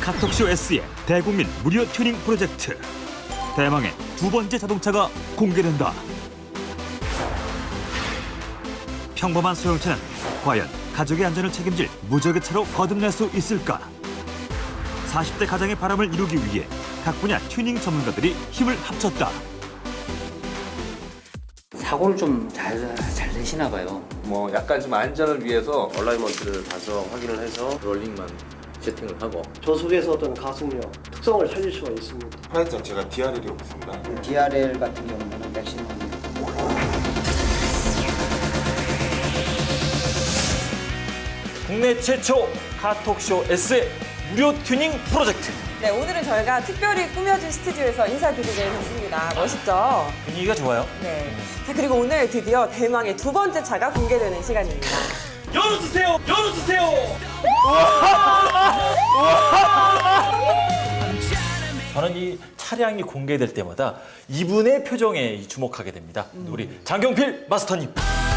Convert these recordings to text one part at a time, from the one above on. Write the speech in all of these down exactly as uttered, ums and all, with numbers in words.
카톡쇼 S의 대국민 무료 튜닝 프로젝트. 대망의 두 번째 자동차가 공개된다. 평범한 소형차는 과연 가족의 안전을 책임질 무적의 차로 거듭날 수 있을까? 사십 대 가장의 바람을 이루기 위해 각 분야 튜닝 전문가들이 힘을 합쳤다. 사고를 좀 잘 잘 내시나 봐요. 뭐 약간 좀 안전을 위해서 얼라이먼트를 봐서 확인을 해서 롤링만 세팅을 하고 저속에서 어떤 가속력, 특성을 살릴 수가 있습니다. 프라이트 자체가 디알엘이 없습니다. 디알엘 같은 경우는 맥시멈 국내 최초 카톡쇼 S의 무료 튜닝 프로젝트. 네, 오늘은 저희가 특별히 꾸며진 스튜디오에서 인사드리게 됐습니다. 멋있죠? 분위기가 좋아요. 네. 자, 그리고 오늘 드디어 대망의 두 번째 차가 공개되는 시간입니다. 열어주세요! 열어주세요! 저는 이 차량이 공개될 때마다 이분의 표정에 주목하게 됩니다. 음. 우리 장경필 마스터님.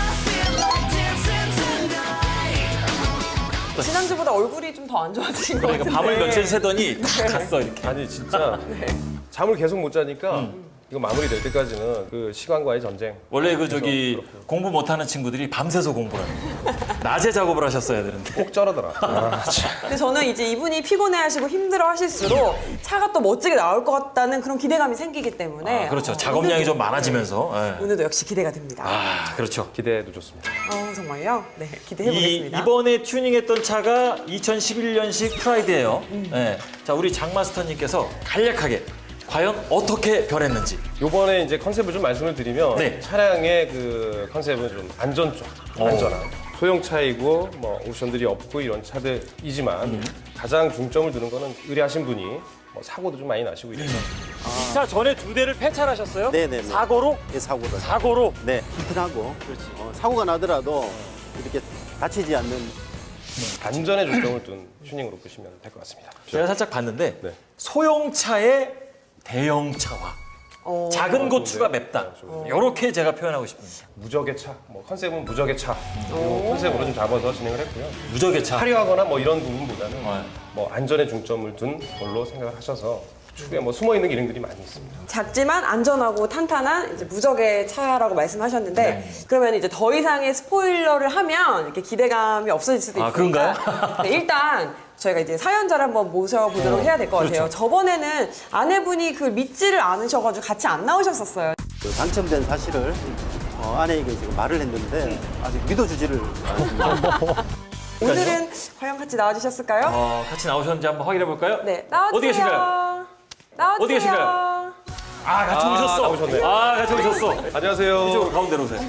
지난주보다 얼굴이 좀 더 안 좋아지신 것 그러니까 같은데. 밤을 며칠 새더니 탁 갔어 이렇게. 아니 진짜 잠을 계속 못 자니까 이거 마무리될 때까지는 그 시간과의 전쟁. 원래 그 저기 그렇고요. 공부 못하는 친구들이 밤새서 공부를 합니다. 낮에 작업을 하셨어야 되는데. 꼭 쩔어더라. 아, 참. 근데 저는 이제 이분이 피곤해하시고 힘들어하실수록 차가 또 멋지게 나올 것 같다는 그런 기대감이 생기기 때문에 아, 그렇죠. 어, 작업량이 오늘도- 좀 많아지면서. 예. 오늘도 역시 기대가 됩니다. 아, 그렇죠. 기대도 좋습니다. 어, 정말요? 네, 기대해 이, 보겠습니다. 이번에 튜닝했던 차가 이천십일 년식 프라이드예요. 예. 자, 우리 장 마스터님께서 간략하게 과연 어떻게 변했는지. 요번에 이제 컨셉을 좀 말씀을 드리면 네. 차량의 그 컨셉은 좀 안전 쪽, 안전한. 소형차이고 뭐 옵션들이 없고 이런 차들이지만 가장 중점을 두는 거는 의뢰하신 분이 뭐 사고도 좀 많이 나시고 이래서 차 전에 두 대를 폐차하셨어요? 네네네. 사고로? 예, 사고를. 사고로? 네, 튼튼하고. 어, 사고가 나더라도 이렇게 다치지 않는. 안전에 중점을 둔 튜닝으로 보시면 될 것 같습니다. 제가 살짝 봤는데 네. 소형차의 대형차와 어, 작은 고추가 좋은데요? 맵다. 네, 좋은데요? 이렇게 제가 표현하고 싶습니다. 무적의 차, 뭐 컨셉은 무적의 차 이 컨셉으로 좀 잡아서 진행을 했고요. 무적의 차. 화려하거나 뭐 이런 부분보다는 네. 뭐 안전에 중점을 둔 걸로 생각을 하셔서 축에 뭐 숨어 있는 기능들이 많이 있습니다. 작지만 안전하고 탄탄한 이제 무적의 차라고 말씀하셨는데 네. 그러면 이제 더 이상의 스포일러를 하면 이렇게 기대감이 없어질 수도 아, 있으니까 그런가요? 네, 일단 저희가 이제 사연자를 한번 모셔보도록 어, 해야 될 것 같아요. 그렇죠. 저번에는 아내분이 그 믿지를 않으셔가지고 같이 안 나오셨었어요. 그 당첨된 사실을 어, 아내에게 지금 말을 했는데 아직 믿어주지를 않습니다. 오늘은 과연 같이 나와주셨을까요? 어, 같이 나오셨는지 한번 확인해 볼까요? 네, 나와주세요. 어디 계신가요? 나와주세요. 어디 계신가요? 아, 같이 아, 오셨어. 나오셨네. 아, 같이 오셨어. 안녕하세요. 이쪽으로 가운데로 오세요.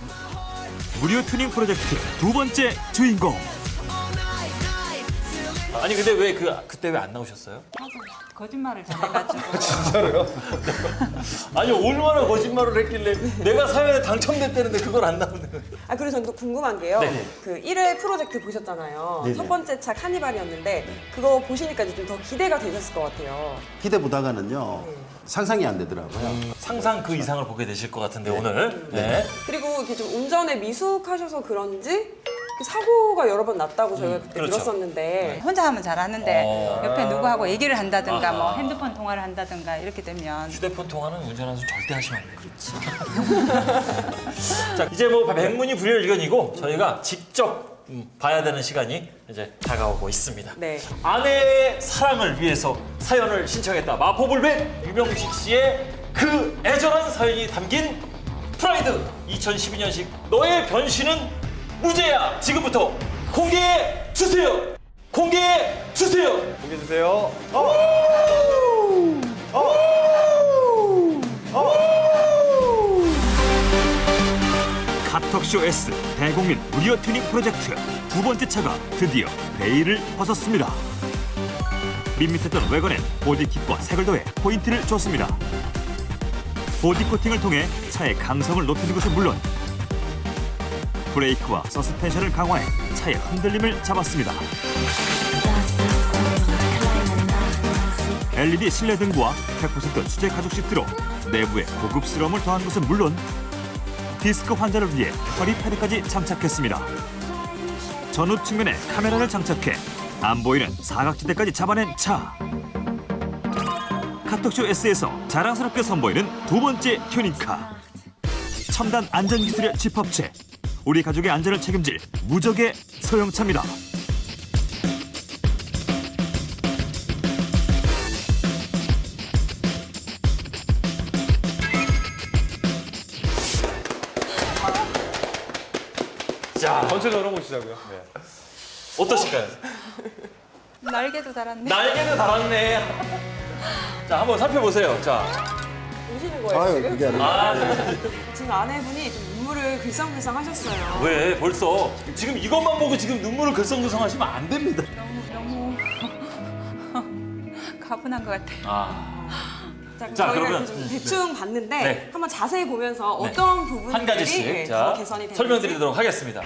무료 튜닝 프로젝트 두 번째 주인공. 아니 근데 왜 그 그때 왜 안 나오셨어요? 거짓말을 전해가지고 진짜로요? 아니 얼마나 거짓말을 했길래 내가 사연에 당첨됐다는데 그걸 안 나오는. 아 그리고 저는 또 궁금한 게요. 네네. 그 일 회 프로젝트 보셨잖아요. 네네. 첫 번째 차 카니발이었는데 그거 보시니까 좀 더 기대가 되셨을 것 같아요. 기대보다가는요, 상상이 안 되더라고요. 상상 그 이상을 보게 되실 것 같은데 오늘. 네. 그리고 이렇게 좀 운전에 미숙하셔서 그런지 그 사고가 여러 번 났다고 저희가 그때 그렇죠. 네, 들었었는데 혼자 하면 잘하는데 어. 옆에 누구하고 얘기를 한다든가 뭐 아하. 핸드폰 통화를 한다든가 이렇게 되면 휴대폰 통화는 운전하면서 절대 하시면 안 돼요. 그렇죠. 자 이제 뭐 백문이 불여일견이고 저희가 직접 음, 봐야 되는 시간이 이제 다가오고 있습니다. 네. 아내의 사랑을 위해서 사연을 신청했다. 마포불백 유명식 씨의 그 애절한 사연이 담긴 프라이드 이천십이 년식 너의 변신은 무죄야. 지금부터 공개해 주세요. 공개해 주세요. 공개해 주세요. 카톡쇼 S 대국민 무료 튜닝 프로젝트 두 번째 차가 드디어 베일을 벗었습니다. 밋밋했던 외관엔 보디킷과 색을 더해 포인트를 줬습니다. 보디 코팅을 통해 차의 강성을 높이는 것은 물론 브레이크와 서스펜션을 강화해 차의 흔들림을 잡았습니다. 엘이디 실내 등과 백 퍼센트 수제 가죽 시트로 내부에 고급스러움을 더한 것은 물론 디스크 환자를 위해 허리 패드까지 장착했습니다. 전후 측면에 카메라를 장착해 안 보이는 사각지대까지 잡아낸 차. 카톡쇼 S에서 자랑스럽게 선보이는 두 번째 튜닝카. 첨단 안전기술의 집합체. 우리 가족의 안전을 책임질 무적의 소형차입니다. 자, 전체적으로 보시자고요. 네. 어떠실까요? 날개도 달았네. 날개도 달았네. 자, 한번 살펴보세요. 자, 우시는 거예요 아유, 지금? 그게 아니라. 아, 지금 아내분이 좀 눈물을 글썽글썽 하셨어요. 왜 벌써 지금 이것만 보고 지금 눈물을 글썽글썽 하시면 안 됩니다. 너무 너무 가분한 것 같아요. 아, 자, 그럼 자, 저희가 그러면- 이렇게 좀 대충 봤는데 네. 한번 자세히 보면서 네. 어떤 부분들이 한 가지씩 네, 자 더 개선이 되는지 설명드리도록 하겠습니다.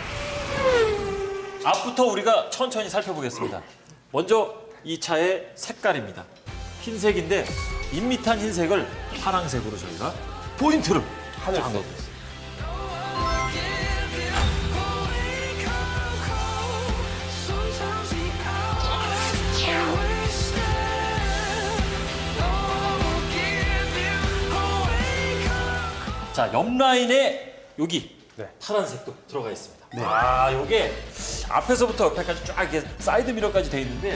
앞부터 우리가 천천히 살펴보겠습니다. 먼저 이 차의 색깔입니다. 흰색인데 밋밋한 흰색을 파란색으로 저희가 포인트를 하늘색. 한 거고. 자, 옆 라인에 여기 네. 파란색도 들어가 있습니다. 아, 요게 앞에서부터 옆에까지 쫙 이렇게 사이드 미러까지 돼 있는데요.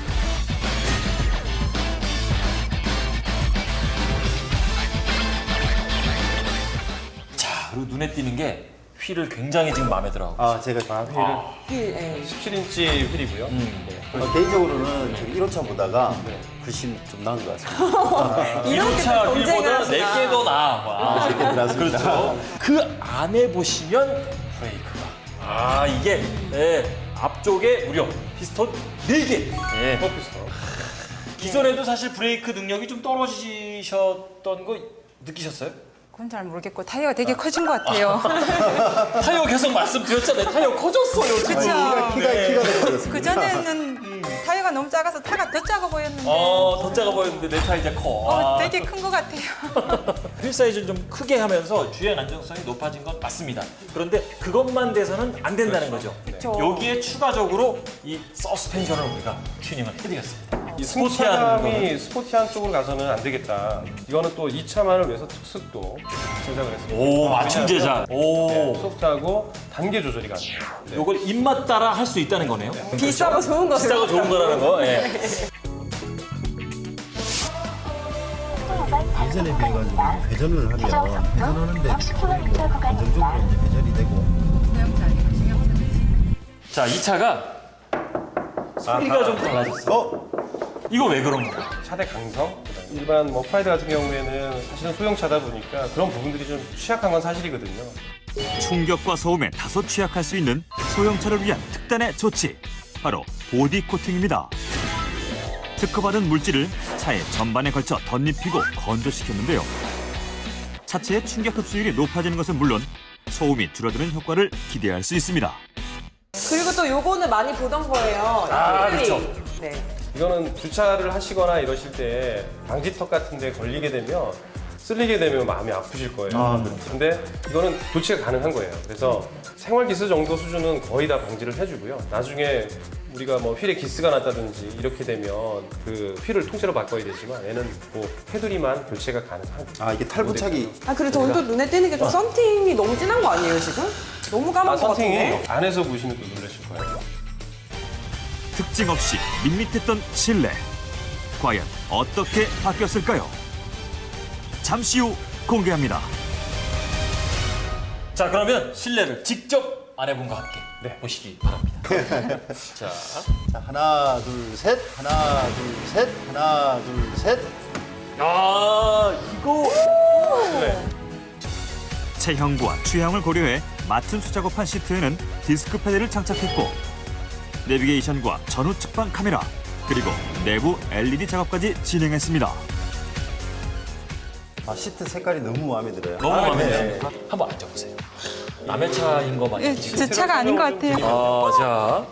자, 그리고 눈에 띄는 게 휠을 굉장히 지금 마음에 들어하고. 아, 제가 아, 휠, 예. 십칠 인치 휠이고요. 음. 네. 어, 개인적으로는 지금 일 호차 보다가 글씨 좀 나은 것 같습니다. 이렇게 차 또 경쟁을 휠보다 하시나. 내게 더 나아. 와. 이렇게 들었습니다. 그렇죠. 그 안에 보시면 브레이크가. 아, 이게 예, 앞쪽에 무려 피스톤 네 개. 예. 퍼피스터. 기존에도 사실 브레이크 능력이 좀 떨어지셨던 거 느끼셨어요? 그건 잘 모르겠고 타이어가 되게 커진 것 같아요. 타이어 계속 말씀드렸잖아요. 타이어 커졌어요, 지금. 그쵸. 키가, 키가 되어버렸습니다. 그 전에는 타이어가 너무 작아서 타가 더 작아 보였는데 어, 더 작아 보였는데 내 타 이제 커. 어, 아. 되게 큰 것 같아요. 휠 사이즈를 좀 크게 하면서 주행 안정성이 높아진 건 맞습니다. 그런데 그것만 돼서는 안 된다는 거죠. 그쵸. 여기에 추가적으로 이 서스펜션을 우리가 튜닝을 해드렸습니다. 이 스포티한 승차감이 스포티한 쪽으로 가서는 안 되겠다. 이거는 또 이 차만을 위해서 특수도 제작을 했습니다. 오, 맞춤 제작. 왜냐하면, 오. 네, 소프트하고 단계 조절이 가능해요. 네. 요걸 입맛 따라 할 수 있다는 거네요. 비싸고 좋은 거 비싸고 좋은 거라는 거. 예. 예전에 비해가지고 회전을 하면 회전하는데 안정적으로 이제 회전이 되고. 자, 이 차가 소리가 좀 달라졌어요. 어? 이거 왜 그런 거야? 차대 강성, 그다음에 일반 뭐 프라이드 같은 경우에는 사실은 소형차다 보니까 그런 부분들이 좀 취약한 건 사실이거든요. 충격과 소음에 다소 취약할 수 있는 소형차를 위한 특단의 조치. 바로 보디 코팅입니다. 특허받은 물질을 차의 전반에 걸쳐 덧입히고 건조시켰는데요. 차체의 충격 흡수율이 높아지는 것은 물론 소음이 줄어드는 효과를 기대할 수 있습니다. 그리고 또 요거는 많이 보던 거예요. 아, 이 그렇죠. 네. 이거는 주차를 하시거나 이러실 때 방지턱 같은 데 걸리게 되면 쓸리게 되면 마음이 아프실 거예요. 아, 그렇죠. 근데 이거는 조치가 가능한 거예요. 그래서 생활 기스 정도 수준은 거의 다 방지를 해주고요. 나중에 우리가 뭐 휠에 기스가 났다든지 이렇게 되면 그 휠을 통째로 바꿔야 되지만 얘는 뭐 테두리만 교체가 가능한. 아, 이게 탈부착이. 아 그리고 저는 또 눈에 띄는 게 좀 썬팅이 너무 진한 거 아니에요 지금? 너무 까만 아, 거 같은데? 선팅이 안에서 보시면 또 놀라실 거예요. 특징 없이 밋밋했던 실내. 과연 어떻게 바뀌었을까요? 잠시 후 공개합니다. 자, 그러면 실내를 직접 아내분과 함께 네. 보시기 바랍니다. 자, 자, 하나, 둘, 셋. 하나, 둘, 셋. 하나, 둘, 셋. 아, 이거 네. 체형과 취향을 고려해 맞춤 수작업한 시트에는 디스크 패드를 장착했고 내비게이션과 전후 측방 카메라 그리고 내부 엘이디 작업까지 진행했습니다. 아, 시트 색깔이 너무 마음에 들어요. 너무 마음에 네. 들어요. 한번 앉아보세요. 남의 차인 거 많이 예, 제 차가 아닌 것 같아요. 아, 자.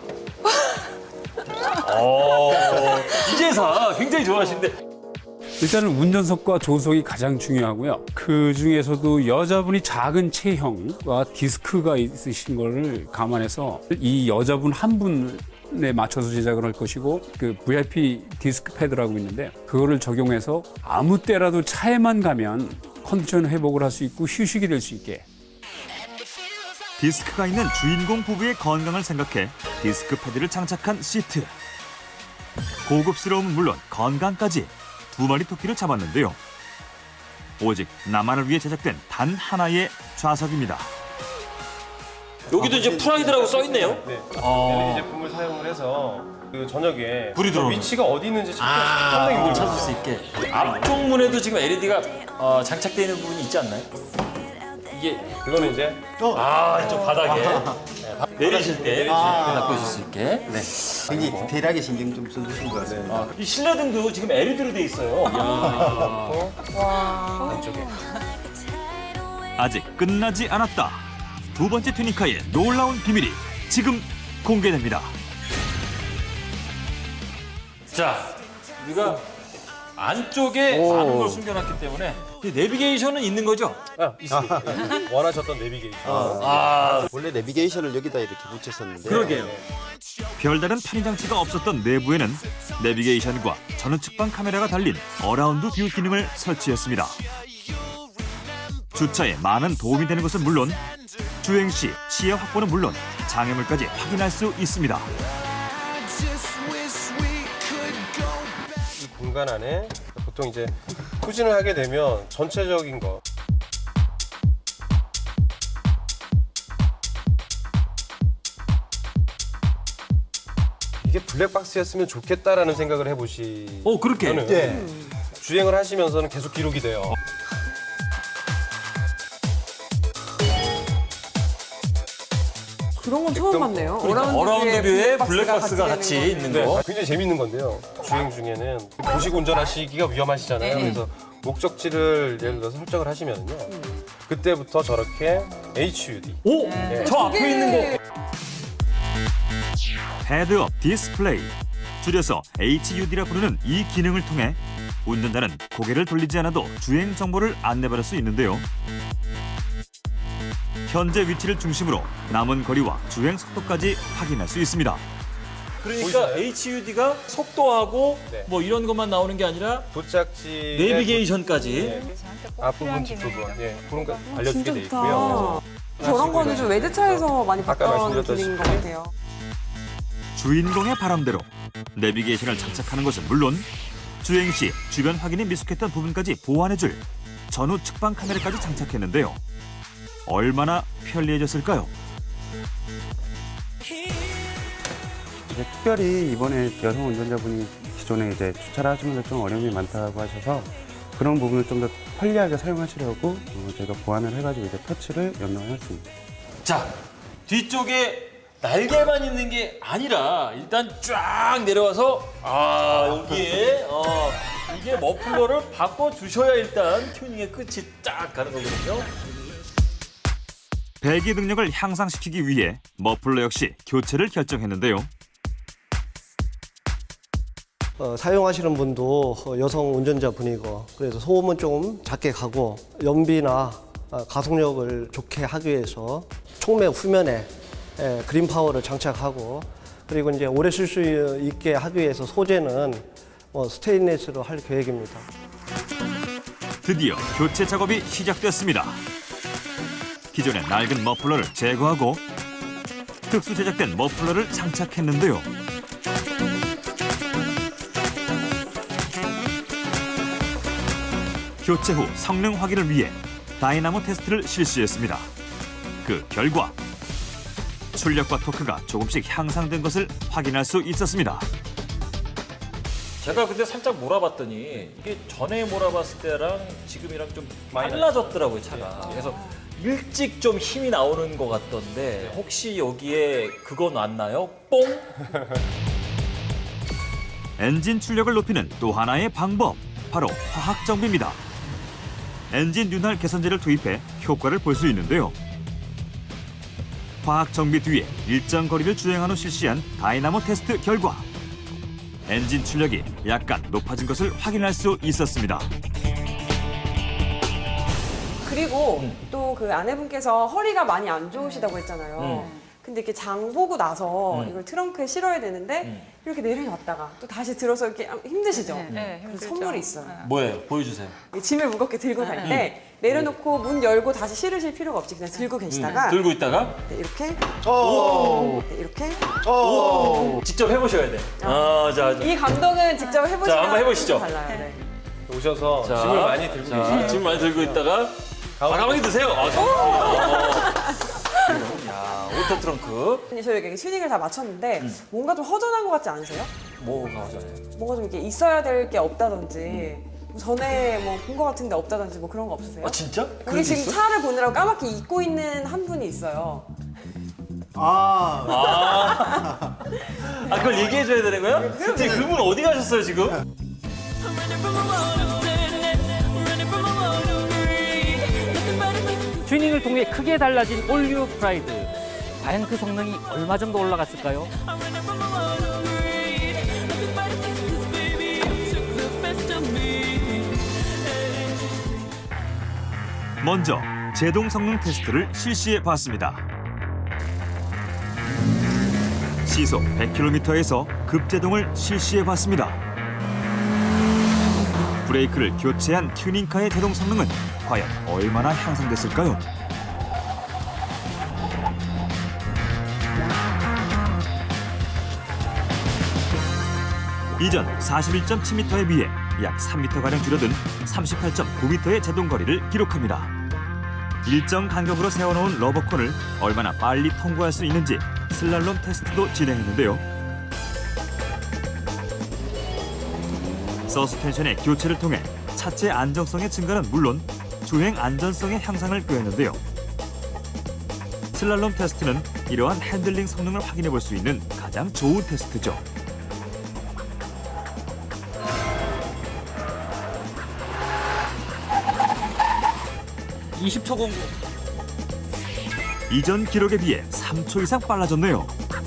어, 이제사 굉장히 좋아하시는데. 일단은 운전석과 조석이 가장 중요하고요. 그 중에서도 여자분이 작은 체형과 디스크가 있으신 거를 감안해서 이 여자분 한 분을 컨디션에 맞춰서 제작을 할 것이고 그 브이아이피 디스크 패드라고 있는데 그거를 적용해서 아무 때라도 차에만 가면 컨디션 회복을 할 수 있고 휴식이 될 수 있게. 디스크가 있는 주인공 부부의 건강을 생각해 디스크 패드를 장착한 시트. 고급스러움은 물론 건강까지 두 마리 토끼를 잡았는데요. 오직 나만을 위해 제작된 단 하나의 좌석입니다. 여기도 이제 프라이드라고 써 있네요. 네. 어. 엘이디 제품을 사용을 해서 그 저녁에 불이 들어오는. 위치가 어디 있는지 찾기 아, 상당히 힘들어요. 찾을 수 있게. 앞쪽 문에도 지금 엘이디가 어, 장착되어 있는 부분이 있지 않나요? 이게 그거는 이제 아 이쪽 바닥에 네, 바- 내리실 때 바꾸실 수 있게. 네. 굉장히 디테일하게 신경 좀 써주신 것 같아요. 아, 이 실내등도 지금 엘이디로 돼 있어요. 아직 끝나지 않았다. 두 번째 튜니카의 놀라운 비밀이 지금 공개됩니다. 자, 우리가 안쪽에 많은 걸 숨겨놨기 때문에 이 내비게이션은 있는 거죠? 아, 있습니다. 네. 원하셨던 내비게이션. 아, 원래 내비게이션을 여기다 이렇게 붙였었는데 그러게요. 별다른 편의 장치가 없었던 내부에는 내비게이션과 전우측방 카메라가 달린 어라운드 뷰 기능을 설치했습니다. 주차에 많은 도움이 되는 것은 물론 주행 시 시야 확보는 물론 장애물까지 확인할 수 있습니다. 이 공간 안에 보통 이제 후진을 하게 되면 전체적인 거 이게 블랙박스였으면 좋겠다라는 생각을 해보시. 어, 그렇게? 네. 주행을 하시면서는 계속 기록이 돼요. 그런 건 처음 봤네요. 그러니까 어라운드 뷰에 블랙박스가 같이 되는 거. 있는 네, 거. 굉장히 재밌는 건데요. 주행 중에는 보시고 운전하시기가 위험하시잖아요. 그래서 목적지를 예를 들어서 설정을 하시면요. 그때부터 저렇게 에이치유디. 오, 저 앞에 있는 거. 헤드업 디스플레이, 줄여서 에이치유디라 부르는 이 기능을 통해 운전자는 고개를 돌리지 않아도 주행 정보를 안내받을 수 있는데요. 현재 위치를 중심으로 남은 거리와 주행 속도까지 확인할 수 있습니다. 그러니까 보이시나요? 에이치유디가 속도하고 네. 뭐 이런 것만 나오는 게 아니라 도착지 내비게이션까지. 앞부분 뒷부분 예, 그런 거 알려주게 진짜 돼 좋다. 있고요. 저런 거는 좀 외제차에서 많이 아까 봤던 말씀드렸다시피 기능인 것 같아요. 주인공의 바람대로 내비게이션을 장착하는 것은 물론 주행 시 주변 확인이 미숙했던 부분까지 보완해줄 전후 측방 카메라까지 장착했는데요. 얼마나 편리해졌을까요? 이제 특별히 이번에 여성 운전자분이 기존에 이제 주차를 하시면서 좀 어려움이 많다고 하셔서 그런 부분을 좀 더 편리하게 사용하시려고 어, 저희가 보완을 해가지고 이제 터치를 연동해놨습니다. 자, 뒤쪽에 날개만 있는 게 아니라 일단 쫙 내려와서 아 여기에 어, 이게 머플러를 바꿔주셔야 일단 튜닝의 끝이 쫙 가는 거거든요. 배기 능력을 향상시키기 위해 머플러 역시 교체를 결정했는데요. 어, 사용하시는 분도 어, 여성 운전자분이고 그래서 소음은 조금 작게 가고 연비나 어, 가속력을 좋게 하기 위해서 촉매 후면에 예, 그린 파워를 장착하고 그리고 이제 오래 쓸 수 있게 하기 위해서 소재는 어, 스테인리스로 할 계획입니다. 드디어 교체 작업이 시작됐습니다. 기존의 낡은 머플러를 제거하고 특수 제작된 머플러를 장착했는데요. 교체 후 성능 확인을 위해 다이나모 테스트를 실시했습니다. 그 결과 출력과 토크가 조금씩 향상된 것을 확인할 수 있었습니다. 제가 근데 살짝 몰아봤더니 이게 전에 몰아봤을 때랑 지금이랑 좀 빨라졌더라고요, 차가. 그래서 일찍 좀 힘이 나오는 것 같던데 혹시 여기에 그거 놨나요? 뽕? 엔진 출력을 높이는 또 하나의 방법, 바로 화학 정비입니다. 엔진 윤활 개선제를 투입해 효과를 볼 수 있는데요. 화학 정비 뒤에 일정 거리를 주행한 후 실시한 다이나모 테스트 결과 엔진 출력이 약간 높아진 것을 확인할 수 있었습니다. 그리고 또 그 아내분께서 허리가 많이 안 좋으시다고 했잖아요. 근데 이렇게 장 보고 나서 음. 이걸 트렁크에 실어야 되는데 음. 이렇게 내려놨다가 또 다시 들어서 이렇게 힘드시죠? 네, 네, 그래서 힘들죠. 선물이 있어요. 뭐예요? 보여주세요. 이 짐을 무겁게 들고 갈 때 내려놓고 문 열고 다시 실으실 필요가 없이 그냥 들고 계시다가 들고 있다가 네, 이렇게 오. 네, 이렇게 오. 직접 해보셔야 돼. 아, 자, 자. 이 감동은 직접 해보시면 자, 한번 해보시죠. 달라요. 네. 오셔서 자, 짐을 많이 들고 자, 계시네요. 짐 많이 들고 있다가 아, 가방에 드세요. 아, 어. 야, 오토 트렁크. 아니, 저희 이렇게 튜닝을 다 마쳤는데 뭔가 좀 허전한 것 같지 않으세요? 뭐가 하잖아요. 뭔가 좀 이렇게 있어야 될 게 없다든지 뭐 전에 뭐 본 것 같은데 없다든지 뭐 그런 거 없으세요? 아, 진짜? 우리 지금 차를 보느라고 까맣게 잊고 있는 한 분이 있어요. 아, 아, 아 그걸 얘기해줘야 되는 거야? 진짜 그분 어디 가셨어요, 지금? 튜닝을 통해 크게 달라진 올류 프라이드. 과연 그 성능이 얼마 정도 올라갔을까요? 먼저 제동 성능 테스트를 실시해 봤습니다. 시속 백 킬로미터에서 급제동을 실시해 봤습니다. 브레이크를 교체한 튜닝카의 제동 성능은 과연 얼마나 향상됐을까요? 이전 사십일 점 칠 미터에 비해 약 삼 미터가량 줄어든 삼십팔 점 구 미터의 제동 거리를 기록합니다. 일정 간격으로 세워놓은 러버콘을 얼마나 빨리 통과할 수 있는지 슬랄롬 테스트도 진행했는데요. 서스펜션의 교체를 통해 차체 안정성의 증가는 물론 주행 안전성의 향상을 꾀했는데요. 슬랄롬 테스트는 이러한 핸들링 성능을 확인해 볼 수 있는 가장 좋은 테스트죠. 이십 초 공부. 이전 기록에 비해 삼 초 이상 빨라졌네요.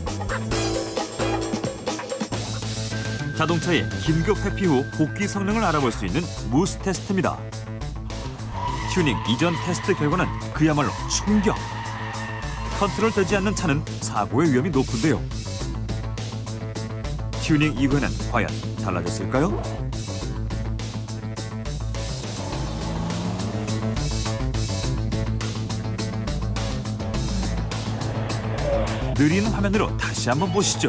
자동차의 긴급 회피 후 복귀 성능을 알아볼 수 있는 무스 테스트입니다. 튜닝 이전 테스트 결과는 그야말로 충격. 컨트롤되지 않는 차는 사고의 위험이 높은데요. 튜닝 이후에는 과연 달라졌을까요? 느린 화면으로 다시 한번 보시죠.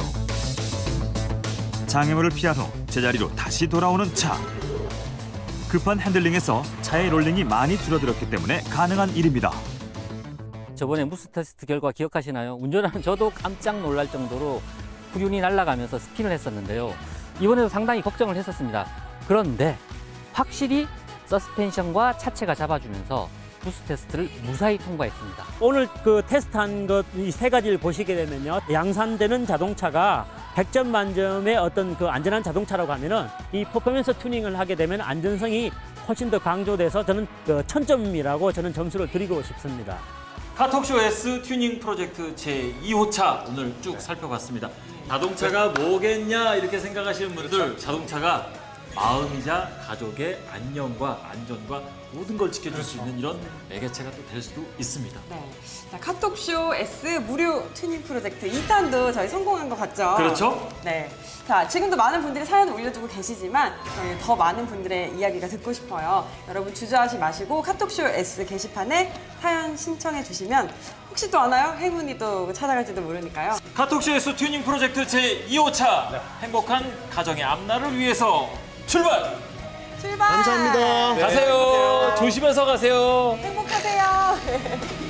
장애물을 피한 후 제자리로 다시 돌아오는 차. 급한 핸들링에서 차의 롤링이 많이 줄어들었기 때문에 가능한 일입니다. 저번에 무스 테스트 결과 기억하시나요? 운전하는 저도 깜짝 놀랄 정도로 후륜이 날아가면서 스핀을 했었는데요. 이번에도 상당히 걱정을 했었습니다. 그런데 확실히 서스펜션과 차체가 잡아주면서 무스 테스트를 무사히 통과했습니다. 오늘 그 테스트한 것 이 세 가지를 보시게 되면요, 양산되는 자동차가 백 점 만점의 어떤 그 안전한 자동차라고 하면은 이 퍼포먼스 튜닝을 하게 되면 안전성이 훨씬 더 강조돼서 저는 그 천 점이라고 저는 점수를 드리고 싶습니다. 카톡쇼 S 튜닝 프로젝트 제이 호차 오늘 쭉 살펴봤습니다. 자동차가 뭐겠냐 이렇게 생각하시는 분들, 자동차가 마음이자 가족의 안녕과 안전과 모든 걸 지켜줄 수 있는 이런 매개체가 또 될 수도 있습니다. 네. 자, 카톡쇼 S 무료 튜닝 프로젝트 이 탄도 저희 성공한 것 같죠? 그렇죠? 네. 자, 지금도 많은 분들이 사연을 올려주고 계시지만 저희 더 많은 분들의 이야기가 듣고 싶어요. 여러분 주저하지 마시고 카톡쇼 S 게시판에 사연 신청해 주시면 혹시 또 아나요? 행운이 또 찾아갈지도 모르니까요. 카톡쇼 S 튜닝 프로젝트 제이 호차 네. 행복한 가정의 앞날을 위해서 출발! 출발! 감사합니다. 가세요. 조심해서 가세요. 행복하세요.